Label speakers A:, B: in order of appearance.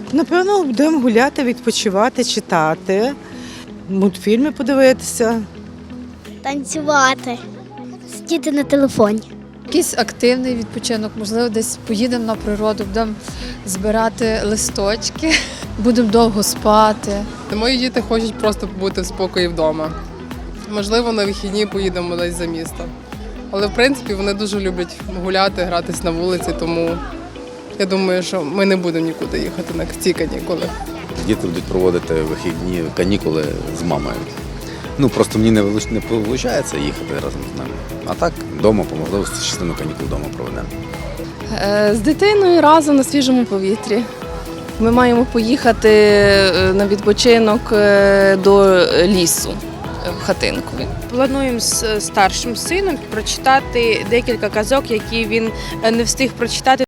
A: Напевно, будемо гуляти, відпочивати, читати, мультфільми подивитися.
B: Танцювати, сидіти на телефоні.
C: Якийсь активний відпочинок, можливо, десь поїдемо на природу, будемо збирати листочки, будемо довго спати.
D: Мої діти хочуть просто побути в спокої вдома. Можливо, на вихідні поїдемо десь за місто. Але, в принципі, вони дуже люблять гуляти, гратись на вулиці, тому я думаю, що ми не будемо нікуди їхати на ці канікули.
E: Діти будуть проводити вихідні канікули з мамою. Просто мені не виходить їхати разом з ними. А так, вдома, по можливості, частину канікул вдома проведемо.
F: З дитиною разом на свіжому повітрі. Ми маємо поїхати на відпочинок до лісу в хатинку.
G: Плануємо з старшим сином прочитати декілька казок, які він не встиг прочитати.